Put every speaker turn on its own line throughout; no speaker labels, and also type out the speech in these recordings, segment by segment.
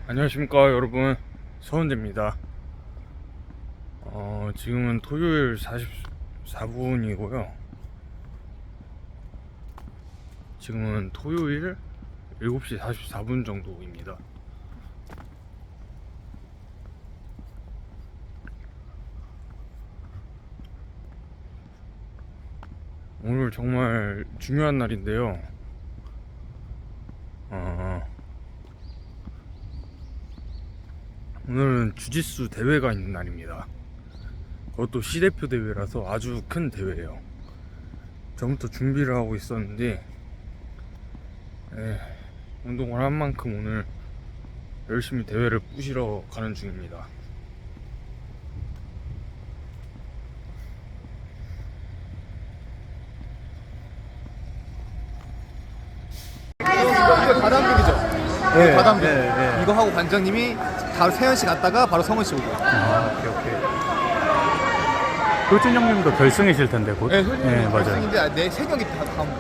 안녕하십니까 여러분, 서은재입니다. 지금은 토요일 44분이고요 지금은 토요일 7시 44분 정도입니다. 오늘 정말 중요한 날인데요. 오늘은 주짓수 대회가 있는 날입니다. 그것도 시대표 대회라서 아주 큰 대회예요. 전부터 준비를 하고 있었는데 운동을 한 만큼 오늘 열심히 대회를 부시러 가는 중입니다.
이거 다담비이죠?
네,
다담비.
네.
이거 하고 관장님이 바로 세현씨 갔다가 바로 성은씨 오고.
오케이. 효준 형님도 결승이실 텐데 곧.
네, 효준이
맞아요.
결승인데 내 세 경기 다 다음.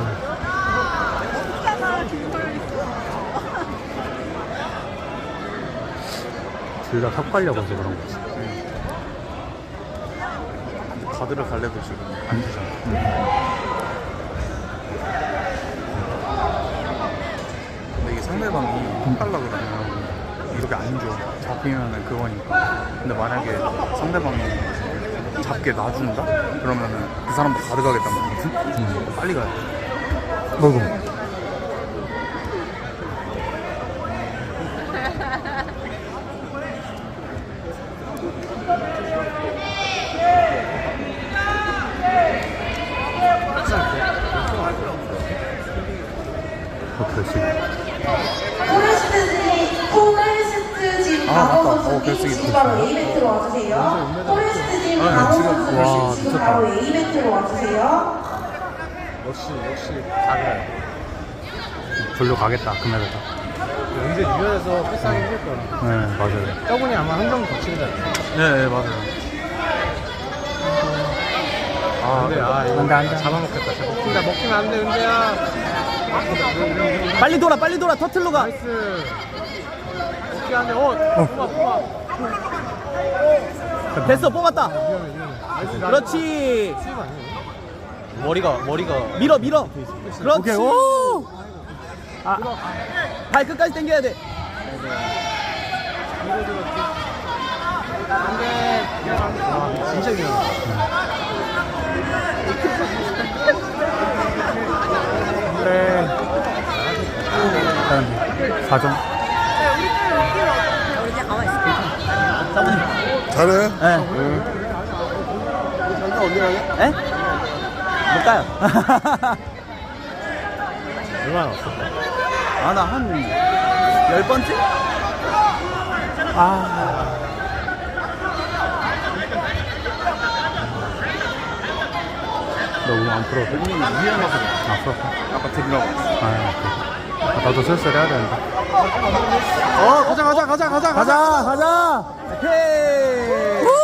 둘 다 섞으려고 해서 그런 거지.
가드를 갈래도 지금 안 되잖아. 근데 이게 상대방이 하려고 그러면 이렇게 안 줘.
잡히면은 그거니까. 근데 만약에 상대방이 잡게 놔준다? 그러면은 그 사람도 가져가겠단 말이지. 빨리 가야 돼.
어이구.
결승.
포레스트 진 강호 선수님 지금 바로 A매트로 와주세요. 포레스트 진 강호 선수님 지금 바로 A매트로 와주세요.
역시 가드라요.
졸려 가겠다. 금메달 다.
연재 유연해서 패스하기 힘들 거야.
네, 맞아요.
저분이 아마 한 명 더 치는 줄 알았어.
네, 맞아요.
근데 이거
안 돼.
잡아먹겠다. 먹히면 안 돼, 은재야.
빨리 돌아 터틀로 가.
나이스. 먹히면 안 돼. 뽑아.
됐어 뽑았다.
나이스.
그렇지.
수입 아니에요?
머리가 밀어 그렇지.
오케이, 오!
발 끝까지 당겨야 돼.
안 돼. 진짜 미안하다.
일단 4점.
잘해?
잠깐 언제 가냐? 에? 못 가요.
얼마나 왔어?
나 한 10번째?
너 오늘 안 풀어도 돼? 아, 풀었어?
아까 드리라고.
오케이. 나도 슬슬 해야 되는데.
가자.
가자. 오케이.